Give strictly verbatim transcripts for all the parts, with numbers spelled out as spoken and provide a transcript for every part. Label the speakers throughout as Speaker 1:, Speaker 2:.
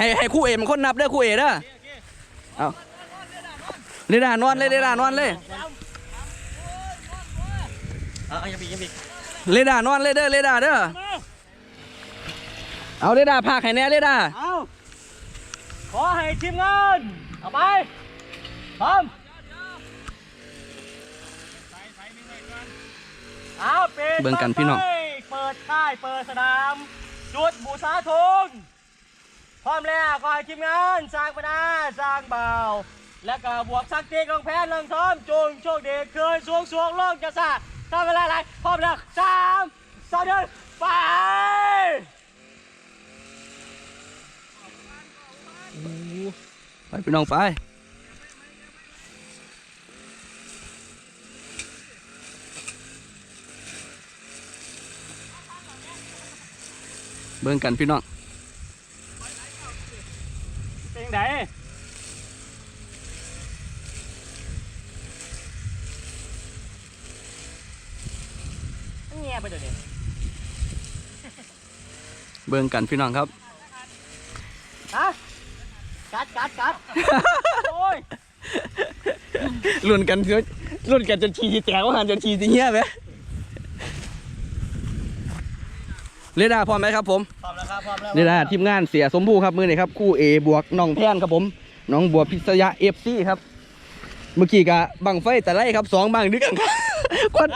Speaker 1: ให้ให้คู่เอมันคนนับเด้อคู่เอเด้อเอาเรดาร์นอนเลยเรดาร์นอนเลย
Speaker 2: เอายังปียังปี
Speaker 1: เรดาร์นอนเลยเด้อเรดาร์เด้อเอาเรดาร์พากให้แน่เรดาร์
Speaker 2: เอาขอให้ทีมงานเอาไปพร้อมเอาปิด
Speaker 1: เบิ่งกันพี่น้อง
Speaker 2: เปิดค่ายเปิดสนามจุดบูชาธงพร้อมแล้วขอให้ทีมงานสร้างปนาสร้างเบาและก็บวกสักตีกองแพนลงท้อมจุงโชคดีคืนสวงสวงโลกจะสะทำเวลาอะไรพร้อมแล้วสามสองหนึ่งไป
Speaker 1: ไปพี่น้องไปเบิ่งกันพี่น้อง
Speaker 2: เป็นไงเงียบไปเดี๋ยวนี้
Speaker 1: เบิ่งกันพี่น้องครับ
Speaker 2: ฮะกัดกัดกัดโอ้ย
Speaker 1: ลุ้นกันเถอะลุ้นกันจนชีที่แตกว่าหันจนชีที่เงี้ยไหมเรดาร์พร้อมไหมครับผม
Speaker 2: พร้อมแล้วครับพร้อมแล้ว
Speaker 1: เรดาร์ทีมงานเสียสมบูรณ์ครับมือนี่ครับคู่เอบวกน้องแพนครับผมน้องบัวพิษยาเอฟซีครับเมื่อกี้กะบังไฟแต่ไรครับสองบังด้วยกันครับควัน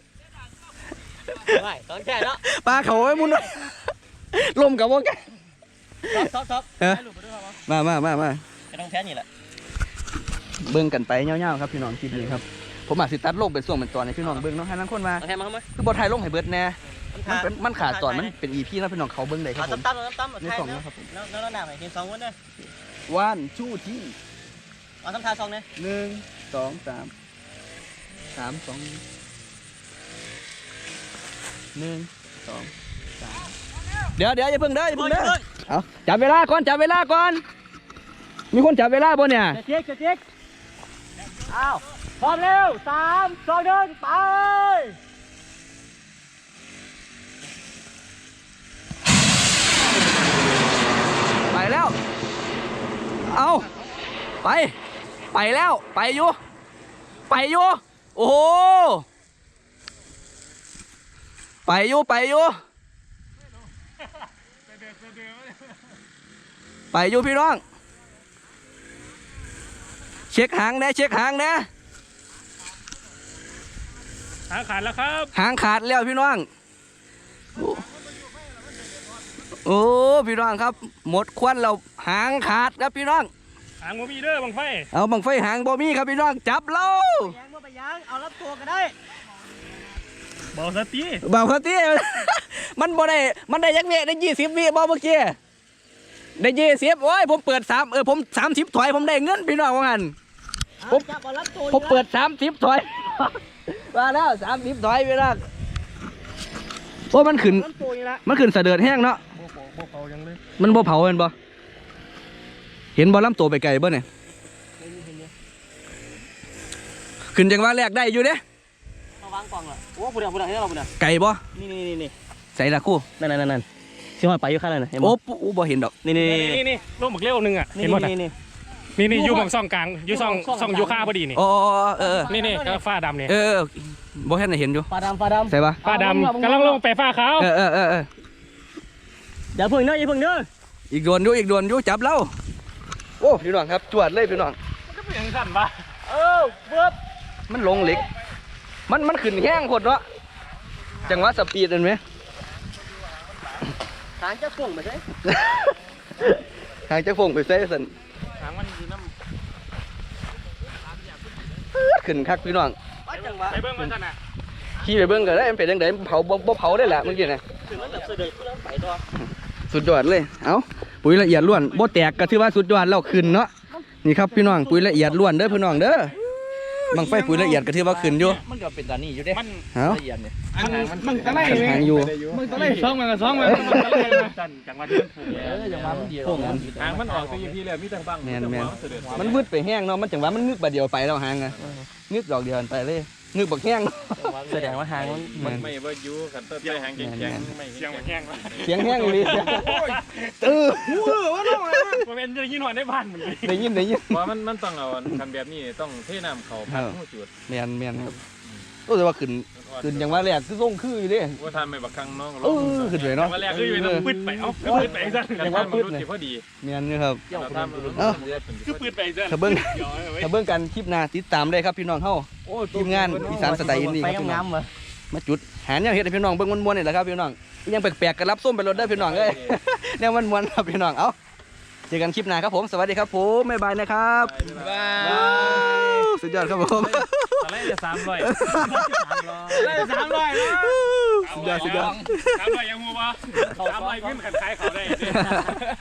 Speaker 2: ไม่ต้องแค่เนาะ
Speaker 1: ปลาเขาไว้มุนลมกับว่ากัน
Speaker 2: ท็อปท็อป
Speaker 1: มามามามา
Speaker 2: จะต้องแค่นี้แหละ
Speaker 1: เบิ้งกันไปเงี้ยวๆครับพี่น้องคลิปนี้ครับผมอาจสิตัดลงเป็นส่วนเป็นตอนในพี่น้องเบิ้งน้องให้นั่งคนมาคือบอลไทยลงให้เบิร์ดแน่มันเป็นมันขาดตอนมันเป็นอีพีนะพี่น้องเขาเบิ้งได้ครับผม
Speaker 2: ตั้มตั้มตั้ม
Speaker 1: ในสองนะครับผม
Speaker 2: แล้วแล้วหน้าไหนเห็นสองวันเนี่ย
Speaker 1: วันชู่ที่
Speaker 2: เอาทำทาสองเนี่ย
Speaker 1: หนึ่งสองสามสามสองหนึ่งสองสามเดี๋ยวเดี๋ยวอย่าเพิ่งเด้ออย่าเพิ่งเด้อเอาจับเวลาก่อนจับเวลาก่อนมีคนจับเวลาบ่เนี่ย
Speaker 2: จะเจ๊กจะเจ๊กอ้าวพร้อมเร็วสามสองหนึ่งไป
Speaker 1: ไปแล้วเอาไปไปแล้วไปอยู่ไปอยู่โอ้โหไปอยู่ไปอยู่ไปอยู่พี่น้องเช็คหางนะเช็คหางนะ
Speaker 2: หางขาดแล้วครับ
Speaker 1: หางขาดแล้วพี่น้องโอ้พี่น้องครับหมดควันเราหางขาดครับพี่น้อง
Speaker 2: หางบ่มีเด้อบังไฟ
Speaker 1: เอาบังไฟหางบ่มีครับพี่น้องจับเรา
Speaker 2: ยางบ่ไปยางเอารับตัวก็ได้เบาสตี
Speaker 1: เบาสตีมันบ่ได้มันได้ยักเวได้ยี่สิบวิบ่เมื่อกี้ได้ยี่สิบโอ้ยผมเปิดสามเออผมสามสิบถอยผมได้เงินพี่น้องว่างั้นผมผมเปิดสามสิบถอยมาแล้วสามสิบถอยพี่น้องโอ้มันขึ้นมันขึ้นเสด็จแห้งเนาะมันบ่เผาเห็นบ่เห็นบ่ลำตัวไปไกลบ่เนี่ยขึ้นจังว่าแรกได้อยู่เด้
Speaker 2: เอาวางกล่องเหรอโอ้ผู้เดียวผู้เดียวให้เราผู้เดียว
Speaker 1: ไก่บ่
Speaker 2: นี่นี่นี่
Speaker 1: ใส่ละคู่
Speaker 2: นั่นนั่นนั่นที่ห้อยไปอยู่ข้างนั้น
Speaker 1: โอ้ปุ๊บ่เห็นดอก
Speaker 2: นี่นี่นี่นี่ลูกหมึกเลี้ยวนึงอ่ะเห็นหมดนี่นี่นี่นี่อยู่บางซ่องกลางอยู่ซ่องซ่องยูคาพอดีนี่
Speaker 1: อ๋อเออ
Speaker 2: นี่นี่ก็ฟ้าดำเนี่ย
Speaker 1: เออบ่เห็นเห็นอยู่
Speaker 2: ฟ้าดำฟ้าดำ
Speaker 1: ใช่ปะ
Speaker 2: ฟ้าดำกำลังลงไปฟ้าขาว
Speaker 1: เออเออเออ
Speaker 2: อย่าพึ่งเด้ออย่าพึ่งเด้อ
Speaker 1: อีกโดนอยู่อีกโดนอยู่จับเราโอ้พี่น้องครับจวดเลยพี่น้อง
Speaker 2: มันก็เป็นอย่างสั่นปะเออเบิบ
Speaker 1: มันลงเหล็กมันมันขึ้นแห้งโคตรเนาะจังหวะสปีดเห็นไหม
Speaker 2: หางจะฟงไปใช่
Speaker 1: หางจะฟงไปใช่สัน
Speaker 2: หางมันอยู่น้
Speaker 1: ำขึ้นคักพี่น้อง
Speaker 2: ไปเบิ้งมันกันนะ
Speaker 1: ขี่ไปเบิ้งก็ได้เป็นยังไงเผาบ่เผาได้แหละเมื่อกี้นะสุดยอดเลยเอ้าปุ๋ยละเอียดล้วนบ่แตกก็ถือว่าสุดยอดแล้วขึ้นเนาะนี่ครับพี่น้องปุ๋ยละเอียดล้วนเด้อพี่น้องเด้อบังไฟปุ๋ยละเอียดก็ถือว่าขึ้นอยู่
Speaker 2: มันก็เป็นตานี่อยู่เด้
Speaker 1: มัน
Speaker 2: ละเอียดเนี่ย
Speaker 1: มันตะไลหางอยู่
Speaker 2: มันตะไลสองมันก็สองมันมันตะไลจันจังหวะที่มันถูกเออจังหวะมันเดียวหางมันออกตัวยี่พี่เลยมีแต่บัง
Speaker 1: แมนแมนมันวืดไปแห้งเนาะมันจังหวะมันงึกบาดเดียวไปแล้วหางอะงึกดอกเดียวไปเลยงึกบักแห้ง
Speaker 2: แสดงว่าหาง
Speaker 3: มันไม่ว่ายูขันเตอร์ไปหางแข็งๆไม่เสียงแห้ง
Speaker 1: เสียงแห้งเลยตื้อ
Speaker 2: ว่าน้องอะไร
Speaker 3: เป็นจะยินหอนได้บ้านเหมือนกัน
Speaker 1: ได้ยินได้ยิน
Speaker 3: เพราะมันมันต้องเอาคันแบบนี้ต้องเทน้ำเขาพันหูจุด
Speaker 1: แมนแมนครับโอ้แต่ว่าขึ้นขึ้นอย่างว่าแรกคือส่งคืออยู่เด้
Speaker 3: ว่าทำไม่บักคังน้อง
Speaker 1: เออขึ้นเลยเนาะ
Speaker 3: วันแรกคืออยู่น้ำปืดไปเอ้าคือปืดไปซะกันว่าปืดพอดี
Speaker 1: แมนนี่ครับ
Speaker 3: เราทำ
Speaker 2: คือปืนไปซะ
Speaker 1: ถ้าเบิ้งถ้าเบิ้งกันคลิปหน้าติดตามได้ครับพี่น้องเฮาทีมงานอีสานสไตล์อินดี้
Speaker 2: ไป
Speaker 1: ครับพี่น้อง
Speaker 2: งามๆเหรอ
Speaker 1: มาจุดหาแนวเฮ็ดให้พี่น้องเบิ่งม่วนๆนี่แหละครับพี่น้องยังแปลกๆกันรับส้มไปรถได้อพี่น้องเอ้ย แนวม่วนๆครับพี่น้องเอ้าเจอกันคลิปหน้าครับผมสวัสดีครับผมบ๊ายบายนะครับ
Speaker 3: บาย
Speaker 1: สุดยอดครับผม
Speaker 3: อะไรจะสามร้อย
Speaker 2: ได้สามร้อยแล้ว
Speaker 1: สุดยอดสุดยอด
Speaker 3: สามร้อยยังงูปะสามร้อยขึ้นขันท้ายเขาได้